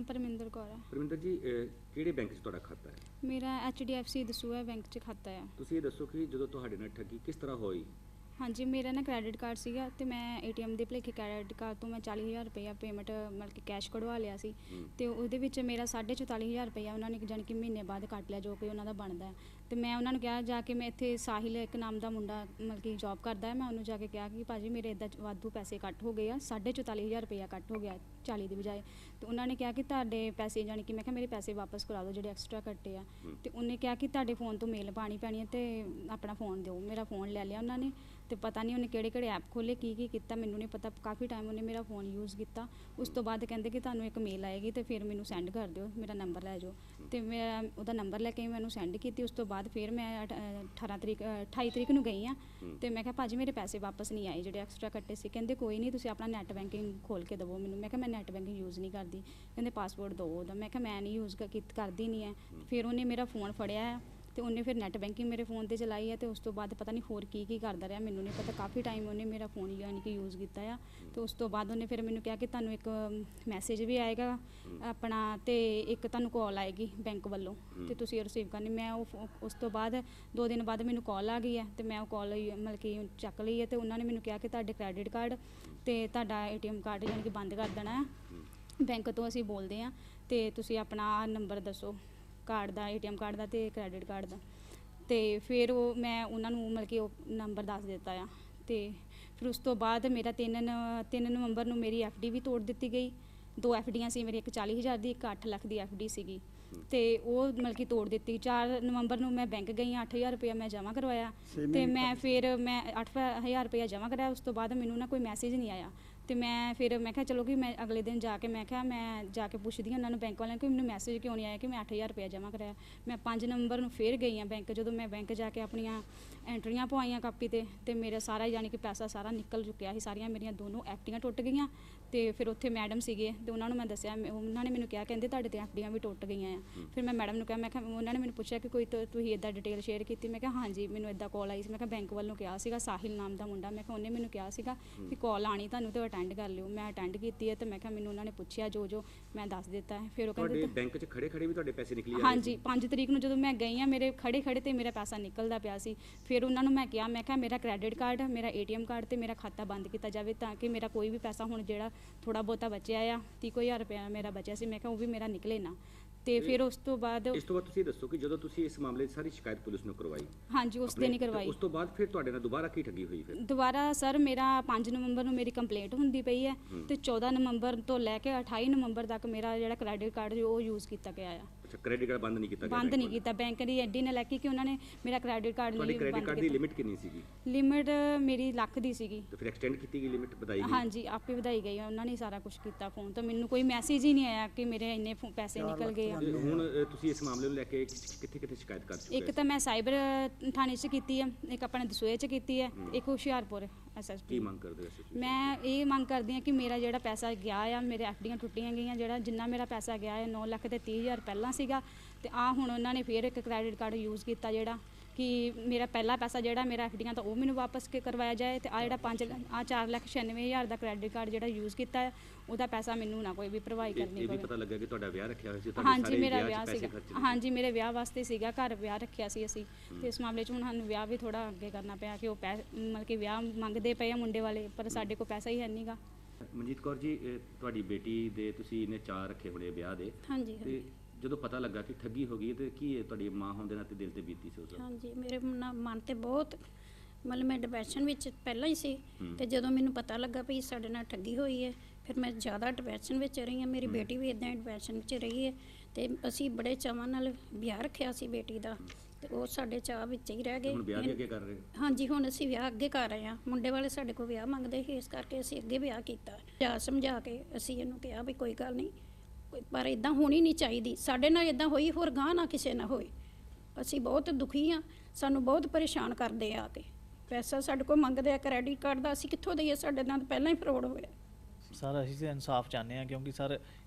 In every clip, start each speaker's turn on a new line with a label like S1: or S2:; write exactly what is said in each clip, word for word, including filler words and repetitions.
S1: परमिंदर कौर है।
S2: परमिंदर जी ਕਿਹੜੇ ਬੈਂਕ 'ਚ ਤੁਹਾਡਾ ਖਾਤਾ ਹੈ?
S1: मेरा H D F C Dasuya bank च खाता है।
S2: ਤੁਸੀਂ ਇਹ ਦੱਸੋ ਕਿ ਜਦੋਂ ਤੁਹਾਡੇ ਨਾਲ ਠੱਗੀ ਕਿਸ ਤਰ੍ਹਾਂ ਹੋਈ?
S1: हाँ जी, मेरा ना क्रेडिट कार्ड सीगा ते मैं ए टी एम ਦੇ ਭਲੇਖੇ क्रेडिट कार्ड तो मैं चाली हज़ार रुपया पेमेंट मतलब कि कैश कढ़वा लिया सी ਤੇ ਉਹਦੇ ਵਿੱਚ ਮੇਰਾ ਸਾਢੇ ਚੁਤਾਲੀ ਹਜ਼ਾਰ ਰੁਪਇਆ ਉਹਨਾਂ ਨੇ ਜਾਣੀ ਕਿ ਮਹੀਨੇ ਬਾਅਦ ਕੱਟ ਲਿਆ ਜੋ ਕਿ ਉਹਨਾਂ ਦਾ ਬਣਦਾ ਹੈ। ਤੇ ਮੈਂ ਉਹਨਾਂ ਨੂੰ ਕਿਹਾ ਜਾ ਕੇ, ਮੈਂ ਇੱਥੇ ਸਾਹਿਲ ਇੱਕ ਨਾਮ ਦਾ ਮੁੰਡਾ ਮਤਲਬ ਕਿ ਜੌਬ ਕਰਦਾ ਹੈ, ਮੈਂ ਉਹਨੂੰ ਜਾ ਕੇ ਕਿਹਾ ਕਿ ਭਾਜੀ ਮੇਰੇ ਇੱਦਾਂ ਵਾਧੂ ਪੈਸੇ ਕੱਟ ਹੋ ਗਏ ਆ, ਸਾਢੇ ਚੁਤਾਲੀ ਹਜ਼ਾਰ ਰੁਪਇਆ ਕੱਟ ਹੋ ਗਿਆ ਚਾਲੀ ਦੀ ਬਜਾਏ। ਤੇ ਉਹਨਾਂ ਨੇ ਕਿਹਾ ਕਿ ਤੁਹਾਡੇ ਪੈਸੇ ਜਾਣੀ ਕਿ ਮੈਂ ਕਿਹਾ ਮੇਰੇ ਪੈਸੇ ਵਾਪਸ ਕਰਾ ਦਿਓ ਜਿਹੜੇ ਐਕਸਟਰਾ ਕੱਟੇ ਆ। ਤੇ ਉਹਨੇ ਕਿਹਾ ਕਿ ਤੁਹਾਡੇ ਫ਼ੋਨ ਤੋਂ ਮੇਲ ਪਾਣੀ ਪੈਣੀ ਹੈ ਤੇ ਆਪਣਾ ਫ਼ੋਨ ਦਿਓ। ਮੇਰਾ ਫ਼ੋਨ ਲੈ ਲਿਆ ਉਹਨਾਂ ਨੇ ਤੇ ਪਤਾ ਨਹੀਂ ਉਹਨੇ ਕਿਹੜੇ ਕਿਹੜੇ ਐਪ ਖੋਲ੍ਹੇ, ਕੀ ਕੀ ਕੀਤਾ ਮੈਨੂੰ ਨਹੀਂ ਪਤਾ। ਕਾਫੀ ਟਾਈਮ ਉਹਨੇ ਮੇਰਾ ਫ਼ੋਨ ਯੂਜ਼ ਕੀਤਾ। ਉਸ ਤੋਂ ਬਾਅਦ ਕਹਿੰਦੇ ਕਿ ਤੁਹਾਨੂੰ ਇੱਕ ਮੇਲ ਆਏਗੀ ਤੇ ਫਿਰ ਮੈਨੂੰ ਸੈਂਡ ਕਰ ਦਿਓ, ਮੇਰਾ ਨੰਬਰ ਲੈ ਜਾਓ। ਤੇ ਮੈਂ ਉਹਦਾ ਨੰਬਰ ਲੈ ਕੇ ਮੈਨੂੰ ਸੈਂਡ ਕੀਤੀ। ਉਸ ਤੋਂ ਬਾਅਦ ਫਿਰ ਮੈਂ ਅਠਾਰਾਂ ਤਰੀਕ ਅਠਾਈ ਤਰੀਕ ਨੂੰ ਗਈ ਹਾਂ ਤੇ ਮੈਂ ਕਿਹਾ ਭਾਜੀ ਮੇਰੇ ਪੈਸੇ ਵਾਪਸ ਨਹੀਂ ਆਏ ਜਿਹੜੇ ਐਕਸਟਰਾ ਕੱਟੇ ਸੀ। ਕਹਿੰਦੇ ਕੋਈ ਨਹੀਂ, ਤੁਸੀਂ ਆਪਣਾ ਨੈੱਟ ਬੈਂਕਿੰਗ ਖੋਲ੍ਹ ਕੇ ਦੇਵੋ ਮੈਨੂੰ। ਮੈਂ ਕਿਹਾ ਮੈਂ ਨੈੱਟ ਬੈਂਕਿੰਗ ਯੂਜ਼ ਨਹੀਂ ਕਰਦੀ। ਕਹਿੰਦੇ ਪਾਸਵਰਡ ਦਿਓ ਉਹਦਾ। ਮੈਂ ਕਿਹਾ ਮੈਂ ਨਹੀਂ ਯੂਜ਼ ਕਰਦੀ ਨਹੀਂ ਹੈ। ਫਿਰ ਉਹਨੇ ਮੇਰਾ ਫ਼ੋਨ ਫੜਿਆ ਤੇ ਉਹਨੇ ਫਿਰ ਨੈੱਟ ਬੈਂਕਿੰਗ ਮੇਰੇ ਫ਼ੋਨ 'ਤੇ ਚਲਾਈ ਹੈ ਤੇ ਉਸ ਤੋਂ ਬਾਅਦ ਪਤਾ ਨਹੀਂ ਹੋਰ ਕੀ ਕੀ ਕਰਦਾ ਰਿਹਾ, ਮੈਨੂੰ ਨਹੀਂ ਪਤਾ। ਕਾਫੀ ਟਾਈਮ ਉਹਨੇ ਮੇਰਾ ਫ਼ੋਨ ਯਾਨੀ ਕਿ ਯੂਜ਼ ਕੀਤਾ ਆ। ਤੇ ਉਸ ਤੋਂ ਬਾਅਦ ਉਹਨੇ ਫਿਰ ਮੈਨੂੰ ਕਿਹਾ ਕਿ ਤੁਹਾਨੂੰ ਇੱਕ ਮੈਸੇਜ ਵੀ ਆਏਗਾ ਆਪਣਾ ਤੇ ਇੱਕ ਤੁਹਾਨੂੰ ਕਾਲ ਆਏਗੀ ਬੈਂਕ ਵੱਲੋਂ ਤੇ ਤੁਸੀਂ ਰਿਸੀਵ ਕਰਨੀ। ਮੈਂ ਉਹ ਉਸ ਤੋਂ ਬਾਅਦ ਦੋ ਦਿਨ ਬਾਅਦ ਮੈਨੂੰ ਕਾਲ ਆ ਗਈ ਹੈ ਤੇ ਮੈਂ ਉਹ ਕਾਲ ਮਤਲਬ ਕਿ ਚੱਕ ਲਈ ਹੈ। ਤੇ ਉਹਨਾਂ ਨੇ ਮੈਨੂੰ ਕਿਹਾ ਕਿ ਤੁਹਾਡੇ ਕ੍ਰੈਡਿਟ ਕਾਰਡ ਤੇ ਤੁਹਾਡਾ ਏ ਟੀ ਐਮ ਕਾਰਡ ਯਾਨੀ ਕਿ ਬੰਦ ਕਰ ਦੇਣਾ ਹੈ, ਬੈਂਕ ਤੋਂ ਅਸੀਂ ਬੋਲਦੇ ਹਾਂ ਤੇ ਤੁਸੀਂ ਆਪਣਾ ਨੰਬਰ ਦੱਸੋ ਕਾਰਡ ਦਾ, ਏ ਟੀ ਐਮ ਕਾਰਡ ਦਾ ਤੇ ਕ੍ਰੈਡਿਟ ਕਾਰਡ ਦਾ। ਤੇ ਫਿਰ ਉਹ ਮੈਂ ਉਹਨਾਂ ਨੂੰ ਮਤਲਬ ਕਿ ਉਹ ਨੰਬਰ ਦੱਸ ਦਿੱਤਾ ਆ। ਤੇ ਫਿਰ ਉਸ ਤੋਂ ਬਾਅਦ ਮੇਰਾ ਤਿੰਨ ਤਿੰਨ ਨਵੰਬਰ ਨੂੰ ਮੇਰੀ ਐਫ ਡੀ ਵੀ ਤੋੜ ਦਿੱਤੀ ਗਈ। ਦੋ ਐਫ ਡੀਆਂ ਸੀ ਮੇਰੀ, ਇੱਕ ਚਾਲੀ ਹਜ਼ਾਰ ਦੀ, ਇੱਕ ਅੱਠ ਲੱਖ ਦੀ ਐਫ ਡੀ ਸੀਗੀ ਤੇ ਉਹ ਮਤਲਬ ਕਿ ਤੋੜ ਦਿੱਤੀ। ਚਾਰ ਨਵੰਬਰ ਨੂੰ ਮੈਂ ਬੈਂਕ ਗਈ, ਅੱਠ ਹਜ਼ਾਰ ਰੁਪਇਆ ਮੈਂ ਜਮ੍ਹਾਂ ਕਰਵਾਇਆ ਤੇ ਮੈਂ ਫਿਰ ਮੈਂ ਅੱਠ ਹਜ਼ਾਰ ਰੁਪਇਆ ਜਮ੍ਹਾਂ ਕਰਾਇਆ। ਉਸ ਤੋਂ ਬਾਅਦ ਮੈਨੂੰ ਨਾ ਕੋਈ ਮੈਸੇਜ ਨਹੀਂ ਆਇਆ ਤੇ ਮੈਂ ਫਿਰ ਮੈਂ ਕਿਹਾ ਚਲੋ ਕਿ ਮੈਂ ਅਗਲੇ ਦਿਨ ਜਾ ਕੇ ਮੈਂ ਕਿਹਾ ਮੈਂ ਜਾ ਕੇ ਪੁੱਛਦੀ ਹਾਂ ਉਹਨਾਂ ਨੂੰ ਬੈਂਕ ਵਾਲਿਆਂ ਕਿ ਮੈਨੂੰ ਮੈਸੇਜ ਕਿਉਂ ਨਹੀਂ ਆਇਆ ਕਿ ਮੈਂ ਅੱਠ ਹਜ਼ਾਰ ਰੁਪਇਆ ਜਮ੍ਹਾਂ ਕਰਾਇਆ। ਮੈਂ ਪੰਜ ਨਵੰਬਰ ਨੂੰ ਫਿਰ ਗਈ ਹਾਂ ਬੈਂਕ। ਜਦੋਂ ਮੈਂ ਬੈਂਕ ਜਾ ਕੇ ਆਪਣੀਆਂ ਐਂਟਰੀਆਂ ਪਵਾਈਆਂ ਕਾਪੀ 'ਤੇ ਤੇ ਮੇਰਾ ਸਾਰਾ ਯਾਨੀ ਕਿ ਪੈਸਾ ਸਾਰਾ ਨਿਕਲ ਚੁੱਕਿਆ ਸੀ। ਸਾਰੀਆਂ ਮੇਰੀਆਂ ਦੋਨੋਂ ਐਫ ਡੀਆਂ ਟੁੱਟ ਗਈਆਂ। ਤੇ ਫਿਰ ਉੱਥੇ ਮੈਡਮ ਸੀਗੇ ਤੇ ਉਹਨਾਂ ਨੂੰ ਮੈਂ ਦੱਸਿਆ, ਉਹਨਾਂ ਨੇ ਮੈਨੂੰ ਕਿਹਾ ਕਹਿੰਦੇ ਤੁਹਾਡੇ ਤੇ ਐਫ ਡੀਆਂ ਵੀ ਟੁੱਟ ਗਈਆਂ ਆ। ਫਿਰ ਮੈਂ ਮੈਡਮ ਨੂੰ ਕਿਹਾ, ਮੈਂ ਕਿਹਾ ਉਹਨਾਂ ਨੇ ਮੈਨੂੰ ਪੁੱਛਿਆ ਕਿ ਕੋਈ ਤੁਸੀਂ ਇੱਦਾਂ ਡਿਟੇਲ ਸ਼ੇਅਰ ਕੀਤੀ? ਮੈਂ ਕਿਹਾ ਹਾਂਜੀ, ਮੈਨੂੰ ਇੱਦਾਂ ਕਾਲ ਆਈ ਸੀ। ਮੈਂ ਕਿਹਾ ਬੈਂਕ ਵੱਲੋਂ ਕਿਹਾ ਸੀਗਾ, ਸਾਹਿਲ ਨਾਮ ਦਾ ਮੁੰਡਾ, ਮੈਂ ਕਿਹਾ ਉਹਨੇ ਮੈਨੂੰ ਕਿਹਾ ਸੀਗਾ ਕਿ ਕਾਲ ਆਣੀ ਤੁਹਾਨੂੰ ਤੇ ਅਟੈਂਡ ਕਰ ਲਿਓ। ਮੈਂ ਅਟੈਂਡ ਕੀਤੀ ਹੈ ਤੇ ਮੈਂ ਕਿਹਾ ਮੈਨੂੰ ਉਹਨਾਂ ਨੇ ਪੁੱਛਿਆ ਜੋ ਜੋ ਮੈਂ ਦੱਸ ਦਿੱਤਾ ਹੈ। ਫਿਰ ਉਹ ਕਹਿੰਦੇ
S2: ਤੁਹਾਡੇ ਬੈਂਕ 'ਚ ਖੜੇ ਖੜੇ ਵੀ ਤੁਹਾਡੇ ਪੈਸੇ ਨਿਕਲੀ ਆ?
S1: ਹਾਂਜੀ, ਪੰਜ ਤਰੀਕ ਨੂੰ ਜਦੋਂ ਮੈਂ ਗਈ ਹਾਂ ਮੇਰੇ ਖੜੇ ਖੜੇ ਤੇ ਮੇਰਾ ਪੈਸਾ ਨਿਕਲਦਾ ਪਿਆ ਸੀ। ਫਿਰ ਉਹਨਾਂ ਨੂੰ ਮੈਂ ਕਿਹਾ, ਮੈਂ ਕਿਹਾ ਮੇਰਾ ਕ੍ਰੈਡਿਟ ਕਾਰਡ, ਮੇਰਾ ਏ ਟੀ ਐਮ ਕਾਰਡ ਤੇ ਮੇਰਾ ਖਾਤਾ ਬੰਦ ਕੀਤਾ ਜਾਵੇ ਤਾਂ ਕਿ ਮੇਰਾ ਕੋਈ ਵੀ ਪੈਸਾ ਹੁਣ ਜਿਹੜਾ ਥੋੜ੍ਹਾ ਬਹੁਤਾ ਬਚਿਆ ਆ, ਤੀਹ ਕੁ ਹਜ਼ਾਰ ਰੁਪਇਆ ਮੇਰਾ ਬਚਿਆ ਸੀ, ਮੈਂ ਕਿਹਾ ਉਹ ਵੀ ਮੇਰਾ ਨਿਕਲੇ ਨਾ। ਤੇ ਫਿਰ ਉਸ ਤੋਂ ਬਾਅਦ
S2: ਇਸ ਤੋਂ ਬਾਅਦ ਤੁਸੀਂ ਦੱਸੋ ਕਿ ਜਦੋਂ ਤੁਸੀਂ ਇਸ ਮਾਮਲੇ ਦੀ ਸਾਰੀ ਸ਼ਿਕਾਇਤ ਪੁਲਿਸ ਨੂੰ ਕਰਵਾਈ?
S1: ਹਾਂਜੀ, ਉਸ ਦਿਨ ਹੀ ਕਰਵਾਈ।
S2: ਉਸ ਤੋਂ ਬਾਅਦ ਫਿਰ ਤੁਹਾਡੇ ਨਾਲ ਦੁਬਾਰਾ ਕੀ ਠੱਗੀ ਹੋਈ? ਫਿਰ
S1: ਦੁਬਾਰਾ ਸਰ ਮੇਰਾ ਪੰਜ ਨਵੰਬਰ ਨੂੰ ਮੇਰੀ ਕੰਪਲੇਂਟ ਹੁੰਦੀ ਪਈ ਹੈ ਤੇ ਚੌਦਾਂ ਨਵੰਬਰ ਤੋਂ ਲੈ ਕੇ ਅਠਾਈ ਨਵੰਬਰ ਤੱਕ ਮੇਰਾ ਜਿਹੜਾ ਕ੍ਰੈਡਿਟ ਕਾਰਡ ਉਹ ਯੂਜ਼ ਕੀਤਾ ਗਿਆ ਆ।
S2: ਅੱਛਾ, ਕ੍ਰੈਡਿਟ ਕਾਰਡ ਬੰਦ ਨਹੀਂ ਕੀਤਾ ਗਿਆ?
S1: ਬੰਦ ਨਹੀਂ ਕੀਤਾ। ਬੈਂਕ ਦੀ ਐਡੀ ਨਾ ਲੈ ਕੇ ਕਿ ਉਹਨਾਂ ਨੇ ਮੇਰਾ ਕ੍ਰੈਡਿਟ ਕਾਰਡ ਲਈ
S2: ਬੰਦ ਕੀਤਾ। ਕ੍ਰੈਡਿਟ ਕਾਰਡ ਦੀ ਲਿਮਿਟ ਕਿੰਨੀ ਸੀਗੀ?
S1: ਲਿਮਿਟ ਮੇਰੀ ਲੱਖ ਦੀ ਸੀਗੀ।
S2: ਤੇ ਫਿਰ ਐਕਸਟੈਂਡ ਕੀਤੀ ਗਈ ਲਿਮਿਟ, ਵਧਾਈ ਗਈ?
S1: ਹਾਂਜੀ, ਆਪੇ ਵਧਾਈ ਗਈ। ਉਹਨਾਂ ਨੇ ਸਾਰਾ ਕੁਝ ਕੀਤਾ ਫੋਨ ਤੋਂ, ਮੈਨੂੰ ਕੋਈ ਮੈਸੇਜ ਹੀ ਨਹੀਂ ਆਇਆ ਕਿ ਮੇਰੇ ਇੰਨੇ ਪੈਸੇ ਨਿਕਲ ਗਏ ਆ।
S2: ਹੁਣ ਤੁਸੀਂ ਇਸ ਮਾਮਲੇ ਨੂੰ ਲੈ ਕੇ ਕਿੱਥੇ ਕਿੱਥੇ ਸ਼ਿਕਾਇਤ ਕਰ ਚੁੱਕੇ?
S1: ਇੱਕ ਤਾਂ ਮੈਂ ਸਾਈਬਰ ਥਾਣੇ 'ਚ ਕੀਤੀ ਹੈ, ਇੱਕ ਆਪਣੇ ਦਸੂਏ 'ਚ ਕੀਤੀ ਹੈ, ਇੱਕ ਹੁਸ਼ਿਆਰਪੁਰ ਐਸ ਐਸ ਪੀ।
S2: ਕੀ ਮੰਗ ਕਰਦੇ ਹੋ?
S1: ਮੈਂ ਇਹ ਮੰਗ ਕਰਦੀ ਹਾਂ ਕਿ ਮੇਰਾ ਜਿਹੜਾ ਪੈਸਾ ਗਿਆ ਆ, ਮੇਰੇ ਐਫ ਡੀਆਂ ਟੁੱਟੀਆਂ ਗਈਆਂ, ਜਿਹੜਾ ਜਿੰਨਾ ਮੇਰਾ ਪੈਸਾ ਗਿਆ ਹੈ ਨੌ ਲੱਖ ਤੇ ਤੀਹ ਹਜ਼ਾਰ ਪਹਿਲਾਂ ਸੀਗਾ ਤੇ ਆ ਹੁਣ ਉਹਨਾਂ ਨੇ ਫਿਰ ਇੱਕ ਕ੍ਰੈਡਿਟ ਕਾਰਡ ਯੂਜ਼ ਕੀਤਾ ਜਿਹੜਾ ਕਿ ਮੇਰਾ ਪਹਿਲਾ ਪੈਸਾ ਜਿਹੜਾ ਮੇਰਾ ਐਫ ਡੀਆਂ ਤਾਂ ਉਹ ਮੈਨੂੰ ਵਾਪਸ ਕੇ ਕਰਵਾਇਆ ਜਾਏ ਤੇ ਆ ਜਿਹੜਾ ਪੰਜ ਆ ਚਾਰ ਲੱਖ ਛਿਆਨਵੇਂ ਹਜ਼ਾਰ ਦਾ ਕ੍ਰੈਡਿਟ ਕਾਰਡ ਜਿਹੜਾ ਯੂਜ਼ ਕੀਤਾ ਹੈ ਉਹਦਾ ਪੈਸਾ ਮੈਨੂੰ ਨਾ ਕੋਈ ਵੀ ਪ੍ਰੋਵਾਈਡ ਕਰਨੀ ਪਵੇ।
S2: ਇਹ ਵੀ ਪਤਾ ਲੱਗਾ ਕਿ ਤੁਹਾਡਾ ਵਿਆਹ ਰੱਖਿਆ ਹੋਇਆ ਸੀ? ਤੁਹਾਡੇ
S1: ਹਾਂਜੀ, ਮੇਰਾ ਵਿਆਹ ਸੀਗਾ। ਹਾਂਜੀ, ਮੇਰੇ ਵਿਆਹ ਵਾਸਤੇ ਸੀਗਾ, ਘਰ ਵਿਆਹ ਰੱਖਿਆ ਸੀ ਅਸੀਂ ਤੇ ਇਸ ਮਾਮਲੇ 'ਚ ਹੁਣ ਸਾਨੂੰ ਵਿਆਹ ਵੀ ਥੋੜਾ ਅੱਗੇ ਕਰਨਾ ਪਿਆ ਕਿ ਉਹ ਪੈ ਮਤਲਬ ਕਿ ਵਿਆਹ ਮੰਗਦੇ ਪਏ ਆ ਮੁੰਡੇ ਵਾਲੇ, ਪਰ ਸਾਡੇ ਕੋਲ ਪੈਸਾ ਹੀ ਹੈ ਨਹੀਂ ਗਾ।
S2: ਮਨਜੀਤ ਕੌਰ ਜੀ, ਤੁਹਾਡੀ ਬੇਟੀ ਦੇ ਤੁਸੀਂ ਇਹਨੇ ਚਾਅ ਰੱਖੇ ਹੋਣੇ ਵਿਆਹ ਦੇ,
S3: ਹਾਂਜੀ
S2: ਤੇ ਜਦੋਂ ਪਤਾ ਲੱਗਾ ਕਿ ਠੱਗੀ ਹੋ ਗਈ ਤੇ ਕੀ ਤੁਹਾਡੀ ਮਾਂ ਹੋਣ ਦੇ ਨਾਤੇ ਦਿਲ ਤੇ ਬੀਤੀ ਸੀ ਉਸ ਵਕਤ?
S3: ਹਾਂਜੀ, ਮੇਰੇ ਨਾ ਮਨ ਤੇ ਬਹੁਤ ਮਤਲਬ ਮੈਂ ਡਿਪਰੈਸ਼ਨ ਵਿੱਚ ਪਹਿਲਾਂ ਹੀ ਸੀ ਤੇ ਜਦੋਂ ਮੈਨੂੰ ਪਤਾ ਲੱਗਾ ਵੀ ਸਾਡੇ ਨਾਲ ਠੱਗੀ ਹੋਈ ਹੈ ਫਿਰ ਮੈਂ ਜ਼ਿਆਦਾ ਡਿਪਰੈਸ਼ਨ ਵਿੱਚ ਰਹੀ ਹਾਂ। ਮੇਰੀ ਬੇਟੀ ਵੀ ਇੱਦਾਂ ਡਿਪਰੈਸ਼ਨ ਵਿੱਚ ਰਹੀ ਹੈ ਤੇ ਅਸੀਂ ਬੜੇ ਚਾਵਾਂ ਨਾਲ ਵਿਆਹ ਰੱਖਿਆ ਸੀ ਬੇਟੀ ਦਾ ਤੇ ਉਹ ਸਾਡੇ ਚਾਅ ਵਿੱਚ ਹੀ ਰਹਿ ਗਏ।
S2: ਹੁਣ ਵਿਆਹ ਵੀ ਅੱਗੇ ਕਰ ਰਹੇ?
S3: ਹਾਂਜੀ, ਹੁਣ ਅਸੀਂ ਵਿਆਹ ਅੱਗੇ ਕਰ ਰਹੇ ਹਾਂ। ਮੁੰਡੇ ਵਾਲੇ ਸਾਡੇ ਕੋਲ ਵਿਆਹ ਮੰਗਦੇ ਸੀ, ਇਸ ਕਰਕੇ ਅਸੀਂ ਅੱਗੇ ਵਿਆਹ ਕੀਤਾ। ਜਾ ਸਮਝਾ ਕੇ ਅਸੀਂ ਇਹਨੂੰ ਕਿਹਾ ਵੀ ਕੋਈ ਗੱਲ ਨਹੀਂ, ਪਰ ਇੱਦਾਂ ਹੋਣੀ ਨਹੀਂ ਚਾਹੀਦੀ। ਸਾਡੇ ਨਾਲ ਇੱਦਾਂ ਹੋਈ, ਹੋਰ ਗਾਂਹ ਨਾ ਕਿਸੇ ਨਾਲ ਹੋਏ। ਅਸੀਂ ਬਹੁਤ ਦੁਖੀ ਹਾਂ, ਸਾਨੂੰ ਬਹੁਤ ਪਰੇਸ਼ਾਨ ਕਰਦੇ ਆ ਕੇ। ਪੈਸਾ ਸਾਡੇ ਕੋਲ ਮੰਗਦੇ ਆ ਕ੍ਰੈਡਿਟ ਕਾਰਡ ਦਾ, ਅਸੀਂ ਕਿੱਥੋਂ ਦਈਏ? ਸਾਡੇ ਨਾਲ ਪਹਿਲਾਂ ਹੀ ਫਰੋਡ ਹੋਇਆ।
S4: ਸਰ ਅਸੀਂ ਤਾਂ ਇਨਸਾਫ ਚਾਹੁੰਦੇ ਹਾਂ ਕਿਉਂਕਿ ਸਰ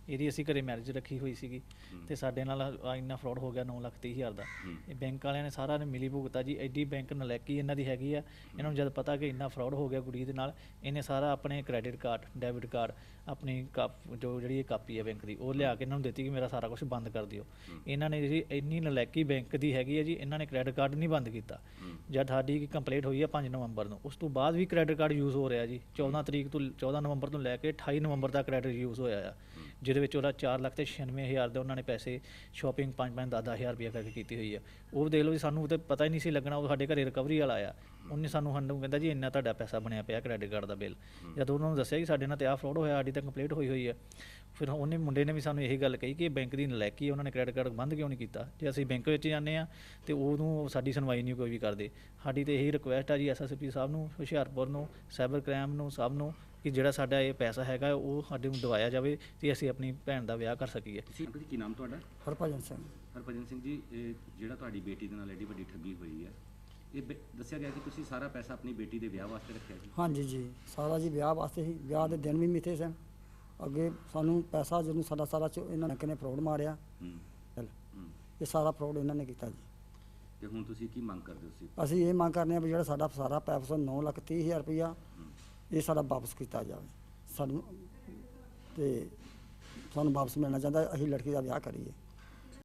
S4: ਇਹਦੀ ਅਸੀਂ ਘਰੇ ਮੈਰਿਜ ਰੱਖੀ ਹੋਈ ਸੀਗੀ ਤੇ ਸਾਡੇ ਨਾਲ ਆਹ ਇੰਨਾ ਫਰਾਡ ਹੋ ਗਿਆ ਨੌ ਲੱਖ ਤੀਹ ਹਜ਼ਾਰ ਦਾ। ਇਹ ਬੈਂਕ ਵਾਲਿਆਂ ਨੇ ਸਾਰਾ ਨੇ ਮਿਲੀ ਭੁਗਤਾ ਜੀ। ਐਡੀ ਬੈਂਕ ਨਲਾਇਕੀ ਇਹਨਾਂ ਦੀ ਹੈਗੀ ਆ। ਇਹਨਾਂ ਨੂੰ ਜਦ ਪਤਾ ਕਿ ਇੰਨਾ ਫਰਾਡ ਹੋ ਗਿਆ ਕੁੜੀ ਦੇ ਨਾਲ, ਇਹਨੇ ਸਾਰਾ ਆਪਣੇ ਕ੍ਰੈਡਿਟ ਕਾਰਡ, ਡੈਬਿਟ ਕਾਰਡ, ਆਪਣੀ ਕਾਪ ਜੋ ਜਿਹੜੀ ਇਹ ਕਾਪੀ ਹੈ ਬੈਂਕ ਦੀ, ਉਹ ਲਿਆ ਕੇ ਇਹਨਾਂ ਨੂੰ ਦਿੱਤੀ ਕਿ ਮੇਰਾ ਸਾਰਾ ਕੁਝ ਬੰਦ ਕਰ ਦਿਓ। ਇਹਨਾਂ ਨੇ ਜੀ ਇੰਨੀ ਨਲਾਇਕੀ ਬੈਂਕ ਦੀ ਹੈਗੀ ਹੈ ਜੀ, ਇਹਨਾਂ ਨੇ ਕ੍ਰੈਡਿਟ ਕਾਰਡ ਨਹੀਂ ਬੰਦ ਕੀਤਾ। ਜਦ ਸਾਡੀ ਕੰਪਲੇਂਟ ਹੋਈ ਹੈ ਪੰਜ ਨਵੰਬਰ ਨੂੰ, ਉਸ ਤੋਂ ਬਾਅਦ ਵੀ ਕ੍ਰੈਡਿਟ ਕਾਰਡ ਯੂਜ਼ ਹੋ ਰਿਹਾ ਜੀ। ਚੌਦਾਂ ਤਰੀਕ ਤੋਂ ਚੌਦਾਂ ਨਵੰਬਰ ਤੋਂ ਲੈ ਕੇ ਅਠਾਈ ਨਵੰਬਰ ਤੱਕ ਕ੍ਰੈਡਿਟ ਯੂਜ਼ ਹੋਇਆ ਆ, ਜਿਹਦੇ ਵਿੱਚ ਉਹਦਾ ਚਾਰ ਲੱਖ ਤੇ ਛਿਆਨਵੇਂ ਹਜ਼ਾਰ ਦੇ ਉਹਨਾਂ ਨੇ ਪੈਸੇ ਸ਼ਾਪਿੰਗ ਪੰਜ ਪੰਜ ਦਸ ਦਸ ਹਜ਼ਾਰ ਰੁਪਇਆ ਕਰਕੇ ਕੀਤੀ ਹੋਈ ਆ। ਉਹ ਦੇਖ ਲਓ ਜੀ, ਸਾਨੂੰ ਤਾਂ ਪਤਾ ਹੀ ਨਹੀਂ ਸੀ ਲੱਗਣਾ। ਉਹ ਸਾਡੇ ਘਰੇ ਰਿਕਵਰੀ ਵਾਲਾ ਆਇਆ, ਉਹਨੇ ਸਾਨੂੰ ਸਾਨੂੰ ਕਹਿੰਦਾ ਜੀ ਇੰਨਾ ਤੁਹਾਡਾ ਪੈਸਾ ਬਣਿਆ ਪਿਆ ਕ੍ਰੈਡਿਟ ਕਾਰਡ ਦਾ ਬਿੱਲ। ਜਦੋਂ ਉਹਨਾਂ ਨੂੰ ਦੱਸਿਆ ਕਿ ਸਾਡੇ ਨਾਲ ਤੇ ਆਹ ਫਰਾਡ ਹੋਇਆ, ਸਾਡੀ ਤਾਂ ਕੰਪਲੇਂਟ ਹੋਈ ਹੋਈ ਹੈ, ਫਿਰ ਉਹਨੇ ਮੁੰਡੇ ਨੇ ਵੀ ਸਾਨੂੰ ਇਹੀ ਗੱਲ ਕਹੀ ਕਿ ਇਹ ਬੈਂਕ ਦੀ ਨਲਾਇਕੀ ਹੈ, ਉਹਨਾਂ ਨੇ ਕ੍ਰੈਡਿਟ ਕਾਰਡ ਬੰਦ ਕਿਉਂ ਨਹੀਂ ਕੀਤਾ। ਜੇ ਅਸੀਂ ਬੈਂਕ ਵਿੱਚ ਜਾਂਦੇ ਹਾਂ ਤੇ ਉਦੋਂ ਸਾਡੀ ਸੁਣਵਾਈ ਨਹੀਂ ਕੋਈ ਵੀ ਕਰਦੇ। ਸਾਡੀ ਤਾਂ ਇਹੀ ਰਿਕੁਐਸਟ ਆ ਜੀ ਐਸ ਐਸ ਪੀ ਸਾਹਿਬ ਨੂੰ, ਹੁਸ਼ਿਆਰਪੁਰ ਨੂੰ, ਸਾਈਬਰ ਕ੍ਰਾਈਮ ਨੂੰ, ਸਭ ਨੂੰ, ਕਿ ਜਿਹੜਾ ਸਾਡਾ ਇਹ ਪੈਸਾ ਹੈਗਾ ਉਹ ਸਾਡੇ ਨੂੰ ਦਿਵਾਇਆ ਜਾਵੇ ਤੇ ਅਸੀਂ ਆਪਣੀ ਭੈਣ ਦਾ ਵਿਆਹ ਕਰ ਸਕੀਏ।
S2: ਤੁਸੀਂ ਅੰਕਲ ਜੀ ਕੀ ਨਾਮ ਤੁਹਾਡਾ?
S5: ਹਰਭਜਨ ਸਿੰਘ।
S2: ਹਰਭਜਨ ਸਿੰਘ ਜੀ, ਇਹ ਜਿਹੜਾ ਤੁਹਾਡੀ ਬੇਟੀ ਦੇ ਨਾਲ ਐਡੀ ਵੱਡੀ ਠੱਗੀ ਹੋਈ ਹੈ, ਇਹ ਬੇ- ਦੱਸਿਆ ਗਿਆ ਕਿ ਤੁਸੀਂ ਸਾਰਾ ਪੈਸਾ ਆਪਣੀ ਬੇਟੀ ਦੇ ਵਿਆਹ ਵਾਸਤੇ ਰੱਖਿਆ ਜੀ?
S5: ਹਾਂਜੀ ਜੀ, ਸਾਰਾ ਜੀ ਵਿਆਹ ਵਾਸਤੇ ਹੀ। ਵਿਆਹ ਦੇ ਦਿਨ ਵੀ ਮਿੱਥੇ ਸਨ। ਅੱਗੇ ਸਾਨੂੰ ਪੈਸਾ ਜਦੋਂ ਸਾਡਾ ਸਾਰਾ ਚ ਇਹਨਾਂ ਨੇ ਕਿਨੇ ਫਰੋਡ ਮਾਰਿਆ।
S2: ਹੂੰ
S5: ਚੱਲ,
S2: ਹੂੰ।
S5: ਇਹ ਸਾਰਾ ਫਰੋਡ ਇਹਨਾਂ ਨੇ ਕੀਤਾ ਜੀ।
S2: ਤੇ ਹੁਣ ਤੁਸੀਂ ਕੀ ਮੰਗ ਕਰਦੇ ਹੋ? ਤੁਸੀਂ
S5: ਅਸੀਂ ਇਹ ਮੰਗ ਕਰਨੇ ਆ ਵੀ ਜਿਹੜਾ ਸਾਡਾ ਸਾਰਾ ਪੈਸਾ ਨੌ ਲੱਖ ਤੀਹ ਹਜ਼ਾਰ ਰੁਪਈਆ ਇਹ ਸਾਡਾ ਵਾਪਸ ਕੀਤਾ ਜਾਵੇ ਸਾਨੂੰ, ਤੇ ਸਾਨੂੰ ਵਾਪਸ ਮਿਲਣਾ ਚਾਹੁੰਦਾ। ਅਸੀਂ ਲੜਕੀ ਦਾ ਵਿਆਹ ਕਰੀਏ।